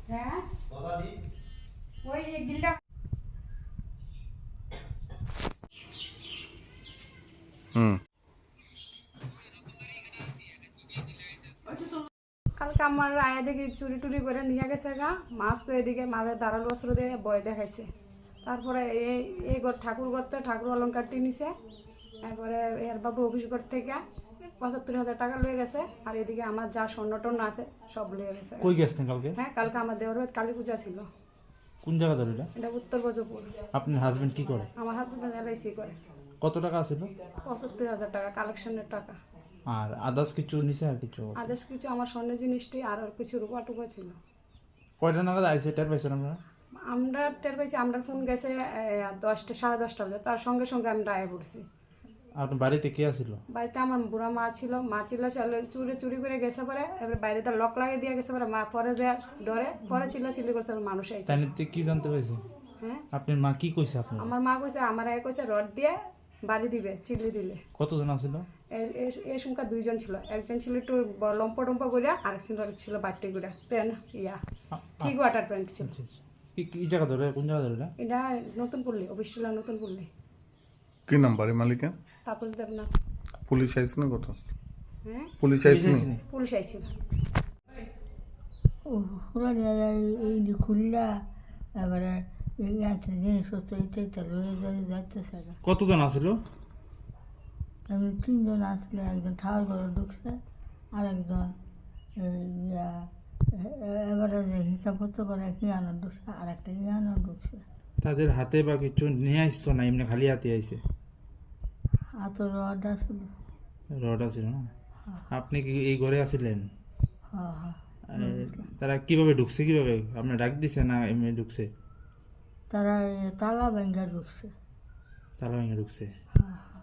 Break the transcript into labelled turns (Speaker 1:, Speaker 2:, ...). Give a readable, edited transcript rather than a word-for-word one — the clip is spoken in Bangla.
Speaker 1: হ্যাঁ ওই বিলটা কালকে আমার আয়া দেখি চুরি টুরি করে নিয়ে গেছে গা মাছ তো এদিকে মারে দাঁড়াল বস্ত্র দিয়ে বয় দেখাইছে। তারপরে এই ঘর ঠাকুর ঘর তো ঠাকুর অলঙ্কারটি নিছে। তারপরে এর বাবু অফিস ঘর থেকে ৭৫,০০০ টাকা লয়ে গেছে। আর এদিকে আমার যা স্বর্ণ টর্ণ আছে সব লয়ে গেছে।
Speaker 2: কই গেছেন কালকে?
Speaker 1: হ্যাঁ কালকে আমার দেওয়ার কালী পূজা ছিল।
Speaker 2: কোন জায়গা ধরে এটা?
Speaker 1: এটা উত্তর বজপুর।
Speaker 2: আপনার হাজবেন্ড কি করে?
Speaker 1: আমার হাজব্যান্ড LIC করে।
Speaker 2: কত টাকা ছিল?
Speaker 1: ৭৫,০০০ টাকা কালেকশনের টাকা।
Speaker 2: আর আদার্স কিছু নিছে আর কিছু?
Speaker 1: আদেশ কিছু আমার স্বর্ণের জিনিসটি আর কিছু রূপা টুপা ছিল।
Speaker 2: কয়টা নাগাদ আইসে টের পাইছেন আপনারা?
Speaker 1: আমরা টের পাইছি, আমরা ফোন গেছে 10টা 10:30 বাজে। তার সঙ্গে সঙ্গে আমরা আয়া পড়ছি।
Speaker 2: আপনার বাড়িতে কে আছিল?
Speaker 1: বাড়িতে আমার বুড়া মা ছিল, মা ছিল চুরি করে গেছে। পরে এবার বাইরে তার লক লাগিয়ে দিয়ে গেছে। পরে মা পরে যে ডরে পরে চিল্লি করছে, মানুষ আইছে।
Speaker 2: তাইতে কি জানতে পাইছে?
Speaker 1: হ্যাঁ
Speaker 2: আপনার মা কি কইছে আপনার?
Speaker 1: আমার মা কইছে আমার আয় কইছে রড দিয়ে বাড়ি দিবে, চিল্লি দিলে।
Speaker 2: কতজন আছিল?
Speaker 1: এই সংখ্যা 2জন ছিল। একজন ছিল একটু লম্পা টম্পা করে, আর ছিল বাট্টি করে প্যান্ট ঠিক ওয়াটার প্যান্ট ছিল।
Speaker 2: কি জায়গা ধরে, কোন জায়গা ধরে?
Speaker 1: এটা নতুন পল্লী, অফিস ছিল নতুন পল্লী।
Speaker 3: কি নাম বাড়ি মালিকের?
Speaker 1: তাপস দেবনাথ।
Speaker 3: পুলিশ আইছে না কথা?
Speaker 1: হ্যাঁ
Speaker 3: পুলিশ আইছে না?
Speaker 1: পুলিশ আইছিল।
Speaker 4: ওরা নিয়ে যায় এই খুললা এবারে এই আছে জিনিসপত্র ইত্যাদি লয়ে যাইতেছে না।
Speaker 2: কতজন আছিল?
Speaker 4: আমি 3জন আসলে, একজন ঠাওয়ার ঘরে ঢুকছে, আর একজন এবারে যে হিসাবপত্র করে হিয়ানো ঢুকছে, আর একটা হিয়ানো ঢুকছে।
Speaker 2: তাদের হাতে বা কিছু নিয়ে আসতো না, এমনি খালি হাতে আইছে?
Speaker 4: হাতে রড আসলো।
Speaker 2: রড আছিল না? আপনি কি এই ঘরে আছিলেন?
Speaker 4: হ্যাঁ হ্যাঁ।
Speaker 2: তারা কিভাবে ঢুকছে, কিভাবে আপনি ডাক দিছে না এমনি ঢুকছে?
Speaker 4: তারা তালা ভেঙ্গা ঢুকছে।
Speaker 2: তালা ভেঙে ঢুকছে?
Speaker 4: হ্যাঁ হ্যাঁ।